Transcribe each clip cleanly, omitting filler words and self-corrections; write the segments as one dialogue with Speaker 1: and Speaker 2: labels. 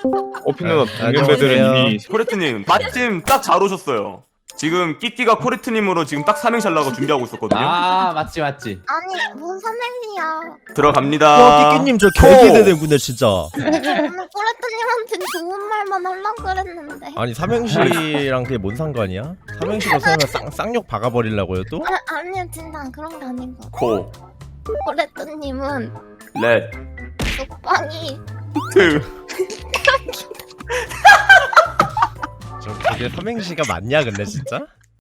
Speaker 1: 오핀 누나 동년배들은 이미 코레트님 마침 딱 잘 오셨어요. 지금 끼끼가 코레트님으로 지금 딱 삼행시 하려고 준비하고 있었거든요.
Speaker 2: 아 맞지.
Speaker 3: 아니 뭔 삼행시야.
Speaker 1: 들어갑니다.
Speaker 4: 와 끼끼님 저 개기대되구네 진짜.
Speaker 3: 오늘 꼬레트님한테 좋은 말만 하려고 그랬는데.
Speaker 4: 아니 삼행시랑 그게 뭔 상관이야? 삼행시로 설마 쌍욕 박아버리려고요 또?
Speaker 3: 아니요 진짜 그런 게 아니고.
Speaker 1: 코,
Speaker 3: 꼬레트님은
Speaker 1: 렛,
Speaker 3: 쪽방이
Speaker 1: 트.
Speaker 4: 저 그게 삼행시가 맞냐 근데 진짜?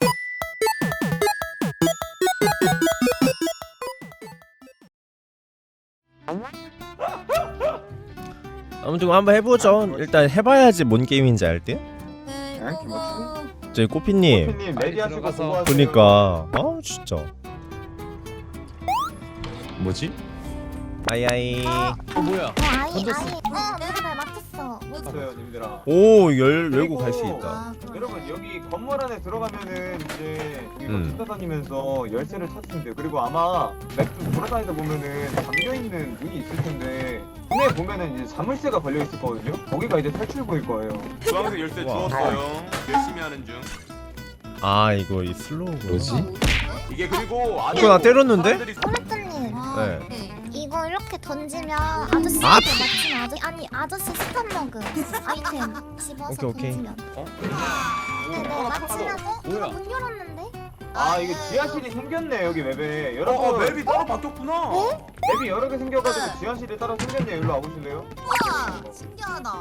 Speaker 4: 아무튼 한번 해보죠. 일단 해봐야지 뭔 게임인지 알 듯? 저희 꼬피님
Speaker 5: 코피님 레디하시고
Speaker 2: 들어가서.
Speaker 5: 보고 하세요.
Speaker 4: 그니까 아 진짜 뭐지? 아이아이
Speaker 2: 뭐야?
Speaker 3: 아이
Speaker 2: 던졌어.
Speaker 3: 내가 잘 맞췄어.
Speaker 5: 맞았어요, 님들아.
Speaker 4: 오 열고 갈 수 있다.
Speaker 3: 아,
Speaker 5: 여러분 여기 건물 안에 들어가면은 이제 이거 찾아다니면서 열쇠를 찾으면 돼요. 그리고 아마 맵도 돌아다니다 보면은 잠겨 있는 문이 있을 텐데 문에 보면은 이제 자물쇠가 걸려 있을 거거든요. 거기가 이제 탈출구일 거예요.
Speaker 1: 주황색 열쇠
Speaker 4: 와.
Speaker 1: 주웠어요. 열심히 하는 중.
Speaker 4: 아 이거 이 슬로우구나.
Speaker 2: 뭐지?
Speaker 1: 이게 그리고 아주
Speaker 4: 이거 나 때렸는데?
Speaker 1: 사람들이
Speaker 3: 꼬레트님
Speaker 4: 네.
Speaker 3: 이거 이렇게 던지면 아저씨한테
Speaker 4: 아!
Speaker 3: 맞추면 아저씨 스탄러그 아이템 집어서
Speaker 4: 오케이.
Speaker 3: 던지면.
Speaker 1: 어?
Speaker 3: 네네 맞추면
Speaker 2: 뭐야?
Speaker 3: 이거 문 열었는데?
Speaker 5: 아 이게 지하실이 생겼네 여기 맵에.
Speaker 1: 어,
Speaker 5: 여러분
Speaker 1: 맵이 따로 바뀌었구나.
Speaker 5: 맵이 여러 개 생겨가지고 지하실이 따로 생겼네요. 일로 와보실래요?
Speaker 6: 우와 신기하다.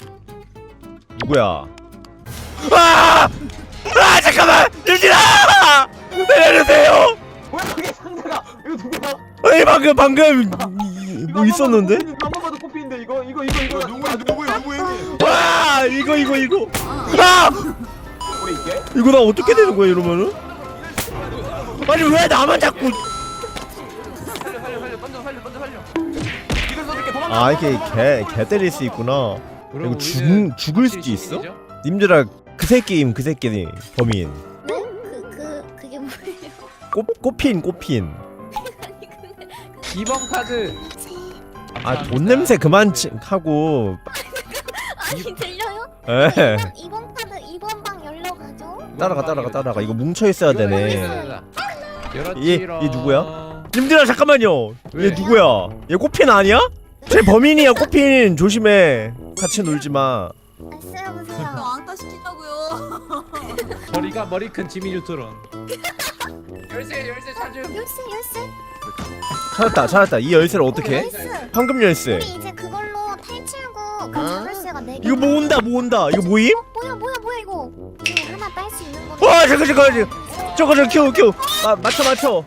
Speaker 4: 누구야? 아! 아 잠깐만! 유진아! 내려주세요!
Speaker 5: 뭐야 그게 상자가 이거 누구야?
Speaker 4: 아니 방금 뭐 있었는데?
Speaker 5: 한 번 봐도 코피인데 이거
Speaker 1: 누구예요?
Speaker 4: 와 이거 아!
Speaker 5: 우리 이게?
Speaker 4: 이거 나 어떻게 되는 거야 이러면은? 아니 왜 나만 자꾸
Speaker 1: 살려. 이걸 써줄게. 도망가.
Speaker 4: 아 이게 개 때릴 수 있구나.
Speaker 2: 그럼
Speaker 4: 이거
Speaker 2: 우리는
Speaker 4: 죽을 수도
Speaker 2: 확실히
Speaker 4: 있어?
Speaker 2: 시민이죠?
Speaker 4: 님들아 그 새끼임 그 새끼니 범인
Speaker 3: 네? 그게 뭐예요?
Speaker 4: 꽃핀
Speaker 2: 2번 카드.
Speaker 4: 아 돈 냄새 그만 하고
Speaker 3: 아니 들려요?
Speaker 4: 에
Speaker 3: 이번 카드 2번 방 열러 가죠?
Speaker 4: 따라가 이거 뭉쳐 있어야 되네. 얘 누구야? 님들아 잠깐만요. 얘
Speaker 2: 왜?
Speaker 4: 누구야? 얘 꽃핀 아니야? 쟤 범인이야 꽃핀 조심해. 같이 놀지 마.
Speaker 3: 쓰여보세요.
Speaker 6: 왕따 시킨다고요.
Speaker 2: 머리 큰 지미 뉴트론. 열쇠 찾음.
Speaker 3: 열쇠?
Speaker 4: 찾았다. 이 열쇠를 어떻게 해?
Speaker 3: 열쇠.
Speaker 4: 황금 열쇠.
Speaker 3: 우리 이제 그걸로 탈출구 그 열쇠가 4개.
Speaker 4: 이거 모은다. 이거 모임?
Speaker 3: 뭐야 이거? 이거 하나 딸 수 있는 거.
Speaker 4: 와 잠깐. 저거 큐. 맞춰.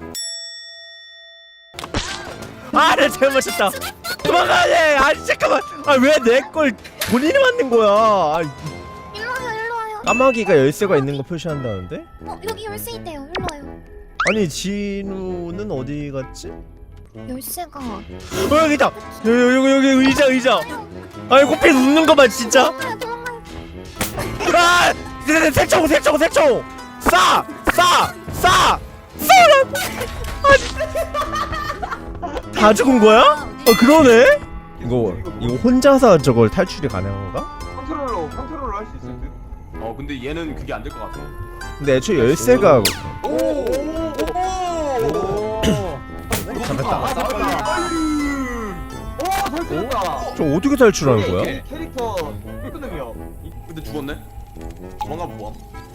Speaker 4: 아, 내가 잘못 맞췄다. 도망가야 돼. 아니 잠깐만. 아 왜 내 걸 본인이 만든 거야? 아,
Speaker 3: 일로 와요.
Speaker 4: 까마귀가 열쇠가 있는 거 표시한다는데?
Speaker 3: 여기 열쇠 있대요. 일로 와요.
Speaker 4: 아니 진우는 어디 갔지?
Speaker 3: 열쇠가.
Speaker 4: 여기 있다. 여기 의자. 아이 코피 웃는 거 봐 진짜.
Speaker 3: 도망가요.
Speaker 4: 아! 새총! 쏴! 다 죽은 거야? 그러네? 이거 혼자서 저걸 탈출이 가능한 건가?
Speaker 5: 컨트롤로 할 수 있을 듯.
Speaker 1: 근데 얘는 그게 안 될 것 같아.
Speaker 4: 근데 애초에 열쇠가
Speaker 5: 탈출했다.
Speaker 4: 저 어떻게 탈출하는 거야?
Speaker 5: 이 캐릭터 끄능력.
Speaker 1: 근데 죽었네. 도망가 뭐?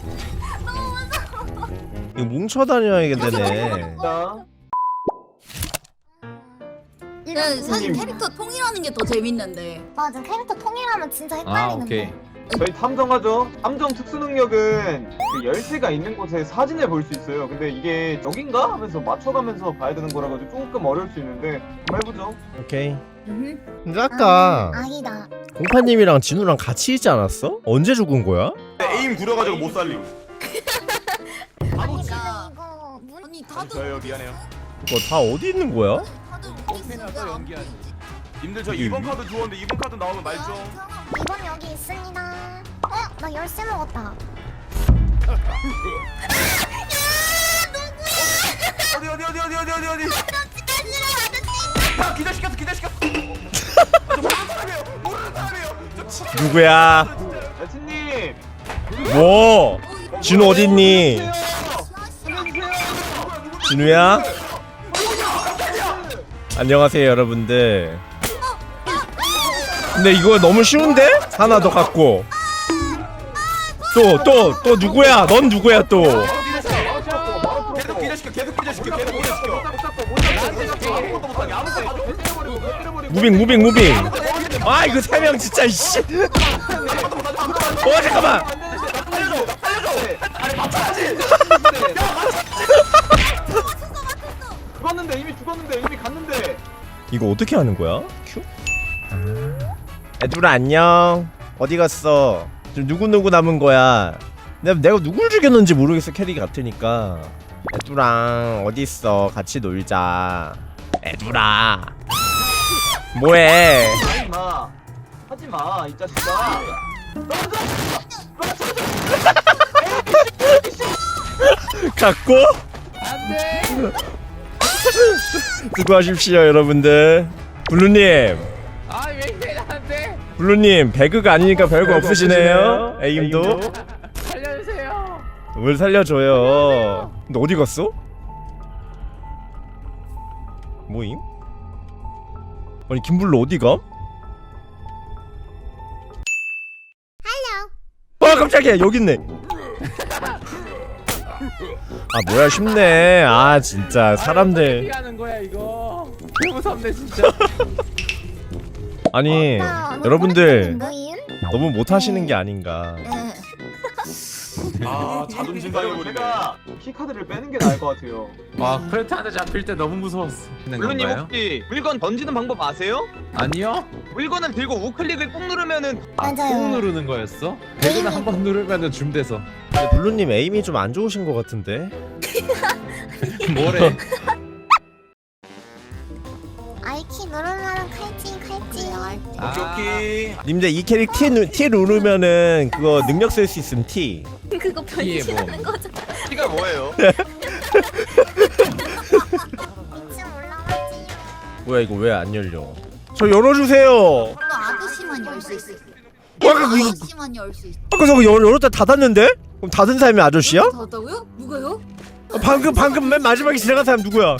Speaker 4: 이거 뭉쳐 다녀야겠네.
Speaker 5: 자,
Speaker 6: 사실 캐릭터 통일하는 게 더 재밌는데.
Speaker 3: 맞아. 캐릭터 통일하면 진짜
Speaker 2: 아
Speaker 3: 헷갈리는데.
Speaker 2: 오케이.
Speaker 5: 저희 탐정하죠. 탐정 특수 능력은 그 열쇠가 있는 곳에 사진을 볼 수 있어요. 근데 이게 여긴가 하면서 맞춰가면서 봐야 되는 거라 가지고 조금 어려울 수 있는데 한번 해보죠.
Speaker 4: 오케이.
Speaker 6: 음.
Speaker 4: 근데 아까
Speaker 3: 아니다.
Speaker 4: 공파님이랑 진우랑 같이 있지 않았어? 언제 죽은 거야?
Speaker 1: 에임 구려가지고 못 살림.
Speaker 3: 아니
Speaker 6: 나-
Speaker 3: 이거 문
Speaker 6: 아니 다들
Speaker 1: 저요 미안해요.
Speaker 4: 이거 다 어디 있는 거야?
Speaker 6: 다들
Speaker 2: 펜을 또 연기하지.
Speaker 1: 님들 저 2번 카드 주웠는데 2번 카드 나오면 말 좀.
Speaker 3: 2번 여기 있습니다. 나 열쇠 먹었다.
Speaker 1: 어디. 야 기절시켰어. 모르는 사람이에요. 저
Speaker 4: 누구야?
Speaker 5: 여친님.
Speaker 4: 뭐? 진우 어딨니? 진우야? 안녕하세요 여러분들. 근데 이거 너무 쉬운데? 하나 더 갖고 또 누구야? 넌 누구야 또?
Speaker 1: 계속 기절시켜 계속 기절시켜 계속 기절시켜.
Speaker 4: 무빙 아 이거 3명 진짜 이씨. 잠깐만.
Speaker 5: 죽었는데 이미 갔는데.
Speaker 4: 이거 어떻게 하는 거야? 큐? 애들아 안녕. 어디 갔어? 지금 누구 남은 거야? 내가 누굴 죽였는지 모르겠어. 캐리 같으니까. 애들아 어디 있어? 같이 놀자. 애들아 뭐해?
Speaker 5: 하지마 이 자식아.
Speaker 4: 갖고?
Speaker 2: 안돼.
Speaker 4: 수고하십시오 여러분들. 블루님
Speaker 2: 아왜 이래 나한테.
Speaker 4: 블루님 배그가 아니니까 별거 없으시네요. 에임도
Speaker 2: 살려주세요.
Speaker 4: 뭘 살려줘요. 근데 어디 갔어? 뭐임? 아니 김블루 어디 가? 깜짝이야 여기 있네. 아 뭐야 쉽네. 아 진짜 사람들.
Speaker 2: 어떻게 하는 거야 이거? 개 무섭네 진짜.
Speaker 4: 아니
Speaker 3: 나
Speaker 4: 여러분들
Speaker 3: 뭐임?
Speaker 4: 너무 못하시는 게 아닌가.
Speaker 1: 아 자존심 상해버리네.
Speaker 5: 제가 키카드를 빼는 게 나을 것 같아요.
Speaker 2: 와 크레트한테 잡힐 때 너무 무서웠어.
Speaker 7: 블루님 혹시 물건 던지는 방법 아세요?
Speaker 2: 아니요?
Speaker 7: 물건을 들고 우클릭을 꾹 누르면은
Speaker 2: 꼭
Speaker 3: 맞아요.
Speaker 2: 누르는 거였어? 배그는 한 번 누르면은 줌돼서.
Speaker 4: 근데 블루님 에임이 좀 안 좋으신 것 같은데.
Speaker 2: 뭐래?
Speaker 3: 아이키 누르면 칼찌.
Speaker 1: 오케이.
Speaker 4: 님들 이 캐릭 T 누르면은 그거 능력 쓸 수 있음 T.
Speaker 3: 그거
Speaker 2: 이게 뭐?
Speaker 3: 변신하는 거죠.
Speaker 7: 티가 뭐예요?
Speaker 3: 2층 올라왔지.
Speaker 4: 뭐야 이거 왜 안 열려? 저 열어주세요.
Speaker 6: 또 아저씨만 열 수 있어. 아저씨만 열 수 있어.
Speaker 4: 아까 저거 열었다 닫았는데? 그럼 닫은 사람이 아저씨야?
Speaker 6: 닫았다고요? 누가요?
Speaker 4: 방금 맨 마지막에 지나간 사람 누구야?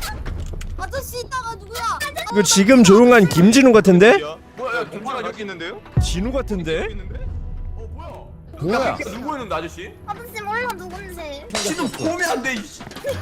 Speaker 6: 아저씨 있다가 누구야?
Speaker 4: 이거 지금 조용한 김진우 같은데?
Speaker 1: 뭐야 공파가 여기 있는데요?
Speaker 4: 진우 같은데?
Speaker 1: 있는데? 뭐야?
Speaker 2: 뭐야?
Speaker 1: 누구였는데 아저씨?
Speaker 3: 아저씨 몰라 누군지.
Speaker 1: 지금 보면 안 돼. 이씨.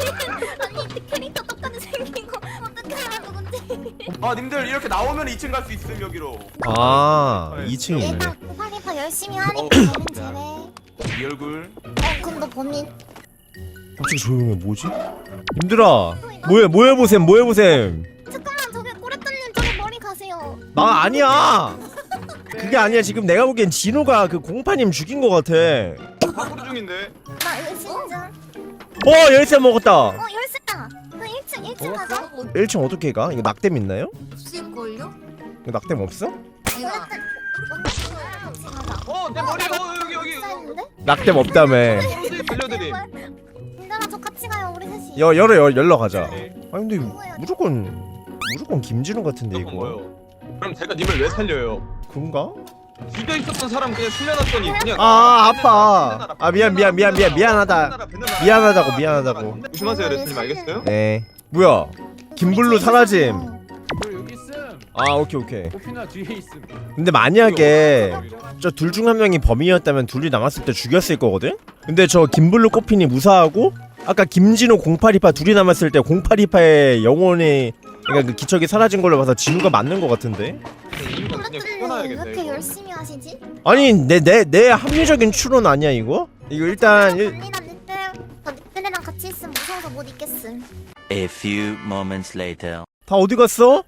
Speaker 3: 아니 캐릭터 똑같이 생긴 거 어떻게 알아 누군지.
Speaker 1: 아 님들 이렇게 나오면 2층 갈 수 있음 여기로.
Speaker 4: 아 2층에 있네.
Speaker 3: 얘가 고파리파 열심히 하니까
Speaker 1: 어.
Speaker 3: 범인 제래.
Speaker 1: 이 얼굴.
Speaker 3: 그럼 너 범인.
Speaker 4: 갑자기 조용해 뭐지? 님들아 뭐 해보셈.
Speaker 3: 잠깐만 저기 꼬레트님 저기 머리 가세요.
Speaker 4: 나 아니야. 그게 아니야. 지금 내가 보기엔 진우가 그 공파님 죽인 것 같아.
Speaker 7: 파쿠르 중인데.
Speaker 3: 나 열심히.
Speaker 4: 열쇠 먹었다.
Speaker 3: 열쇠다. 나 1층 가자.
Speaker 4: 1층 어떻게 가? 이거 낙뎀 있나요?
Speaker 6: 없을걸요?
Speaker 4: 이거 낙뎀 없어?
Speaker 6: 내가
Speaker 3: 같이 가자.
Speaker 7: 내 머리 여기.
Speaker 3: 있는데?
Speaker 4: 낙뎀 없다며.
Speaker 7: 들려드림.
Speaker 3: 민들아 저 같이 가요 우리 셋이.
Speaker 4: 열러 가자.
Speaker 7: 네.
Speaker 4: 아니 근데 무조건 김진우 같은데
Speaker 7: 이건
Speaker 4: 이거.
Speaker 7: 뭐예요? 그럼 제가 님을 왜 살려요?
Speaker 4: 그런가?
Speaker 7: 죽여 있었던 사람 그냥 숨겨놨더니 그냥.
Speaker 4: 아 아파. 아 미안하다. 미안하다고.
Speaker 7: 조심하세요 레스님 알겠어요?
Speaker 4: 네. 뭐야? 김블루 사라짐.
Speaker 2: 뭐 여기 있음.
Speaker 4: 아 오케이.
Speaker 2: 코피나 뒤에 있음.
Speaker 4: 근데 만약에 저 둘 중 한 명이 범인이었다면 둘이 남았을 때 죽였을 거거든? 근데 저 김블루 꼬핀이 무사하고 아까 김진호 0828 둘이 남았을 때 0828의 영혼이 그러니까 그 기척이 사라진 걸로 봐서 진우가 맞는 거 같은데?
Speaker 7: 이유가 그냥
Speaker 3: 꼬레트님 왜
Speaker 7: 죽여놔야겠다
Speaker 3: 이렇게
Speaker 7: 이거.
Speaker 3: 열심히 하시지?
Speaker 4: 아니 내 합리적인 추론 아니야 이거? 이거 일단
Speaker 3: 갑니다 니들. 저 니들이랑 같이 있으면 무서워서 못 있겠음.
Speaker 8: A few moments later.
Speaker 4: 다 어디 갔어?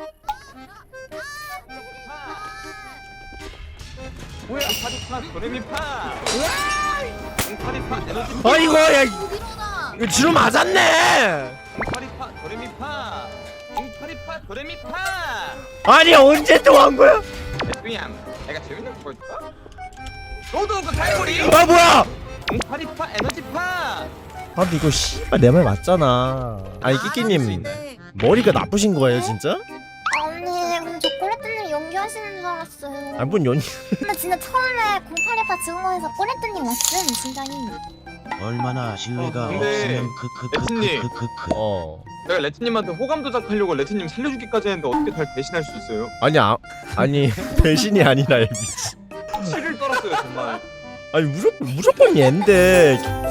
Speaker 7: 뭐야? 파리파 도레미파. 파리파 에너지.
Speaker 4: 아이고 야
Speaker 6: 일어나.
Speaker 4: 이거 진우 맞았네.
Speaker 7: 파리파 도레미파. 파리파 도레미파.
Speaker 4: 아니 언제 또 한 거야?
Speaker 7: 그냥 내가 재밌는 거 보여줄까? 너도 그 갈고리.
Speaker 4: 아 뭐야?
Speaker 7: 파리파 에너지파.
Speaker 4: 아 근데 이거 씨발 내 말 맞잖아. 아니 끼끼님 머리가 나쁘신 거예요 진짜?
Speaker 3: 언니 근데 저 꼬레트님 연기하니까 하시는 줄 알았어요.
Speaker 4: 아뭔 연이
Speaker 3: 근데 진짜 처음에 0828 증거에서 꼬레트님 왔음 진짜이.
Speaker 9: 얼마나 신뢰가
Speaker 7: 근데
Speaker 9: 없으면
Speaker 7: 레트님.
Speaker 4: 어
Speaker 7: 내가 레트님한테 호감 도작하려고 레트님 살려주기까지 했는데 어떻게 달 배신할 수 있어요?
Speaker 4: 아니 배신이 아니라 미치
Speaker 7: 실을 떨었어요 정말.
Speaker 4: 아니 무조건 얘인데